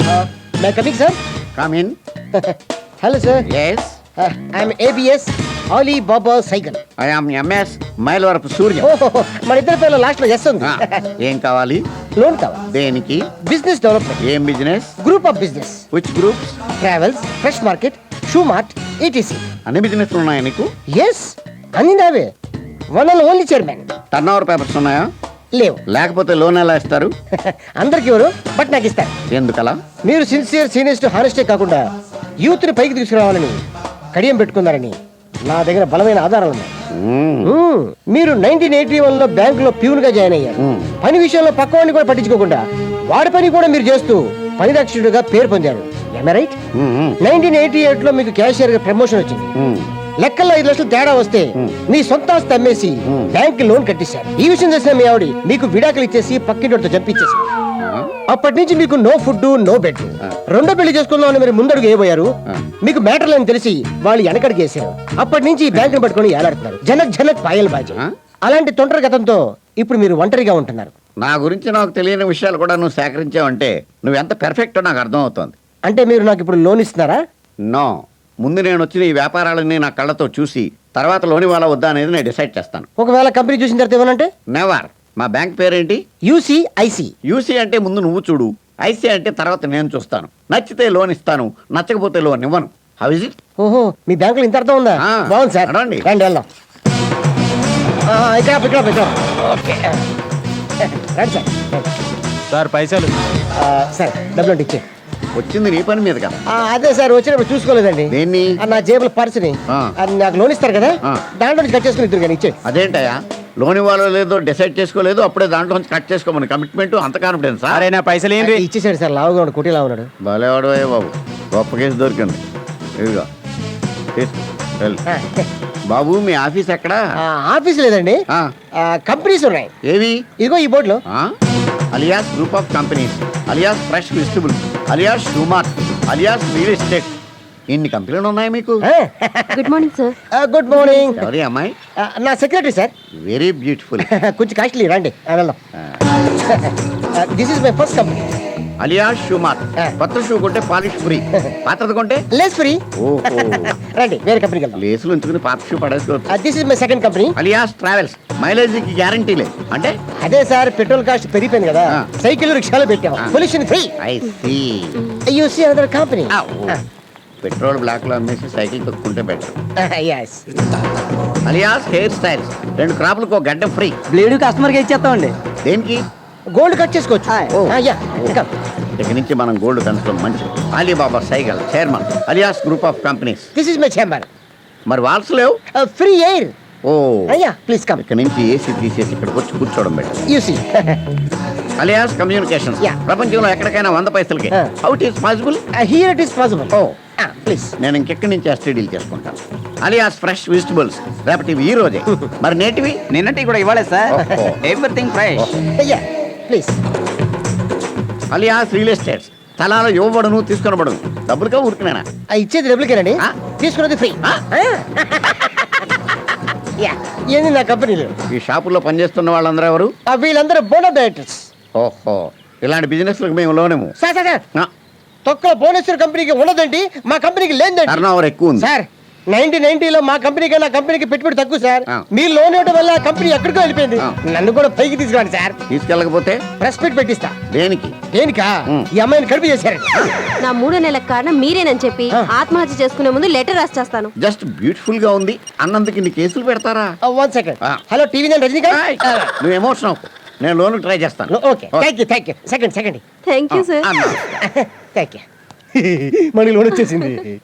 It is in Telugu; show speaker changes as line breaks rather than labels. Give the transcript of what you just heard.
May coming sir.
Come in.
Hello sir.
Yes,
I'm ABS Ali Baba cycle.
I am MS Mylavarapu Surya.
మన ఇద్దరి పేర్ల లాస్ట్ లో ఎస్ ఉంది.
ఏం కావాలి?
లోన్ కావాలి.
దేనికి?
Business development.
ఏం business?
Group of business.
Which groups?
Travels, fresh market, shoe mart, ETC.
అన్ని బిజినెస్ ఉన్నాయా నీకు?
ఎస్, అన్ని నావే. One and only chairman.
Turn over papers ఉన్నాయా?
లేవు.
లేకపోతే లోన్ ఎలా ఇస్తారు?
అందరికి ఎవరు బట్ నాకు ఇస్తారు.
ఎందుకలా?
మీరు సిన్సియర్ సీనియర్స్ హానెస్టే కాకుండా యూత్ ని పైకి తీసుకురావాలని కడియం పెట్టుకున్నారని నా దగ్గర బలమైన ఆధారాలు ఉన్నాయి. మీరు 1981 లో బ్యాంక్ లో ప్యూన్ గా జాయిన్ అయ్యారు. పని విషయంలో పక్కవాడిని కూడా పట్టించుకోకుండా వాడి పని కూడా మీరు చేస్తూ పని రక్షకుడిగా పేరు పొందారు. రైట్? 1988 లో మీకు క్యాషియర్ గా ప్రమోషన్ వచ్చింది. లెక్కల్లో 5 లక్షలు తేడా వస్తే మీ సొంత ఆస్తి అమ్మేసి బ్యాంక్ లోన్ కట్టించారు. ఈ విషయం తెలిసిన మీ ఆవిడ మీకు విడాకులు ఇచ్చేసి పక్కింటితో చంపించేసి అప్పటి నుంచి మీకు నో ఫుడ్ నో బెడ్. రెండో పెళ్లి చేసుకుందామని మీరు ముందడుగు వేయబోయారు. మీకు మ్యాటర్ అని తెలిసి వాళ్ళు వెనకడికి వేసారు. అప్పటి నుంచి ఈ బ్యాంకును పట్టుకుని ఏలాడుతున్నారు. జనక్ జనక్ పాయల్ బాజీ. అలాంటి తొంటరి గతంతో ఇప్పుడు మీరు ఒంటరిగా ఉంటున్నారు.
నా గురించి నాకు తెలియని విషయాలు కూడా నువ్వు సేకరించావంటే నువ్వు ఎంత పర్ఫెక్టో నాకు అర్థం అవుతుంది.
అంటే మీరు నాకు ఇప్పుడు లోన్ ఇస్తున్నారా?
నో, ముందు నేను వచ్చిన ఈ వ్యాపారాలన్నీ నా కళ్ళతో చూసి తర్వాత లోన్ ఇవ్వాలా వద్దా అనేది నేను డిసైడ్ చేస్తాను.
ఒకవేళ కంపెనీ చూసిన తర్వాత ఏమనంటే?
నెవర్. మా బ్యాంక్ పేరేంటి?
యూసీఐసి.
యూసీ అంటే ముందు నువ్వు చూడు, ఐసీ అంటే తర్వాత నేను చూస్తాను. నచ్చితే లోన్ ఇస్తాను, నచ్చకపోతే లోన్ ఇవ్వను. How is it?
ఓహో, మీ బ్యాంకులో ఇంత అర్థం ఉందా? బాగుంది సార్.
రండి
వెళ్దాం. ఇక్కడ ఓకే రండి సార్.
సార్ పైసలు.
సార్ డబ్బులు ఇచ్చే.
వచ్చింది నీ పని మీద కదా.
అదే సార్, వచ్చినప్పుడు చూసుకోలేదండి.
దేన్ని?
నా జేబులో పర్సుని. అది నాకు లోన్ ఇస్తారు కదా, దాంట్లో నుంచి కట్ చేసుకుని ఇద్దరు కానీ ఇచ్చే.
అదేంటయా, లోన్ ఇవ్వాలో లేదో డిసైడ్ చేసుకోలేదు, అప్పుడే దాంట్లో నుంచి కట్ చేసుకోమని కమిట్మెంట్ అంత కాన్ఫిడెన్స్?
అరే నా పైసలు ఏంటి?
ఇచ్చేసాడు సార్. లావుగా ఉన్నాడు, కుటీలా ఉన్నాడు.
భలేవాడు బాబు, గొప్ప కేసు దొరికింది. ఇదిగో బాబు, మీ ఆఫీస్ ఎక్కడా?
ఆఫీస్ లేదండి, కంపెనీస్ ఉన్నాయి.
ఏవి?
ఇదిగో ఈ బోర్డులో.
Alias group of companies, alias fresh vegetable, alias shoe mart, alias real estate. ఇన్ని కంపెనీలు ఉన్నాయి మీకు?
Good morning sir.
Good morning.
ఎవరి అమ్మాయి?
నా సెక్రటరీ సార్.
Very beautiful.
కొంచెం కాస్ట్లీ. రండి వెళ్దాం. This is my first company.
Alias shoe mart. కొత్త షూ కొంటే పాలిష్ ఫ్రీ, పాత్రది కొంటే
లేస్ ఫ్రీ.
ఓహో.
రండి వేరే కంపెనీకి వెళ్దాం.
లేసులు ఉంచుకుని పాత షూ పడేసుకోవచ్చు.
This is my second company.
Alias travels. మైలేజీకి గ్యారంటీ లేదు అంటే?
అదే సార్, పెట్రోల్ కాస్ట్ పెరిగిపోయింది కదా, సైకిల్ రిక్షాలో పెట్టాం. Pollution free.
I see.
You see another company.
Petrol black లో అమ్మేసి సైకిల్ తొక్కుంటే better.
yes.
Alias hair styles. 2 క్రాపులకు ఒక గడ్డ ఫ్రీ.
బ్లేడ్ కస్టమర్ కి ఇచ్చేస్తామండి.
దేనికి?
గోల్డ్ కట్ చేసుకోవచ్చు.
ఇక్కడి నుంచి మనం గోల్డ్ కన్స్లో మంచి. Alibaba cycle chairman, alias group of companies.
This is my chamber.
మరి వాల్స్ లేవు?
Free air.
ఓ
అయ్యా ప్లీజ్ కమ్.
ఇక్కడ నుంచి ఏసీ తీసేసి ఇక్కడికి వచ్చి కూర్చోవడం better.
You see.
Alias communications. ప్రపంచంలో ఎక్కడికైనా 100 పైసలకి. How it is possible?
Here it is possible.
ఓ
ప్లీజ్.
నేను ఇంకెక్కడి నుంచి ఎస్టీ డీల్ చేసుకుంటాను. Alias fresh vegetables. రేపటివి ఈ రోజే. మరి నేటివి?
నిన్నటి కూడా ఇవ్వాలి సార్. Everything fresh.
అయ్యా ప్లీజ్.
Alias real estates. స్థలాలు ఇవ్వబడును, తీసుకొనబడును. డబ్బులుగా ఊరుకునేనా?
ఇచ్చేది డబ్బులకేనండి, తీసుకున్నది ఫ్రీ. ఏంది నా కంపెనీలో?
ఈ షాపుల్లో పనిచేస్తున్న వాళ్ళందరూ ఎవరు?
వీళ్ళందరూ బోనస్ డైరెక్టర్స్.
ఓహో, ఇలాంటి బిజినెస్లకు మేము లోనేము.
సార్ తొక్కల భువనేశ్వర్ కంపెనీకి ఉన్నదండి, మా కంపెనీకి లేదండి.
టర్న్ ఓవర్ ఎక్కువ ఉంది
సార్. 1990లో మా కంపెనీకి నా కంపెనీకి పెట్టుబడి తక్కువ సార్. మీ లోన్ ఇవ్వడం వల్ల కంపెనీ ఎక్కడికో వెళ్ళిపోయింది. నన్ను కూడా పైకి తీసుకురండి సార్.
తీసుకెళ్ళకపోతే
ప్రెస్ మీట్ పెట్టిస్తా.
దేనికి?
దేనికా? ఈ అమ్మాయిని కడుపు చేశారండి.
నా 3 నెలల కారణం మీరేనని చెప్పి ఆత్మహత్య చేసుకునే ముందు లెటర్ రాసి చేస్తాను.
జస్ట్ బ్యూటిఫుల్ గా ఉంది అన్నందుకు ఇన్ని కేసులు పెడతారా?
1 సెకండ్. హలో టీవీ నేను రజనీకాంత్.
నువ్వు ఎమోషన్ అవ్వకు, నేను లోన్ ట్రై చేస్తాను.
Okay thank you. Second.
Thank you sir.
Thank you. Money loan వచ్చేసింది.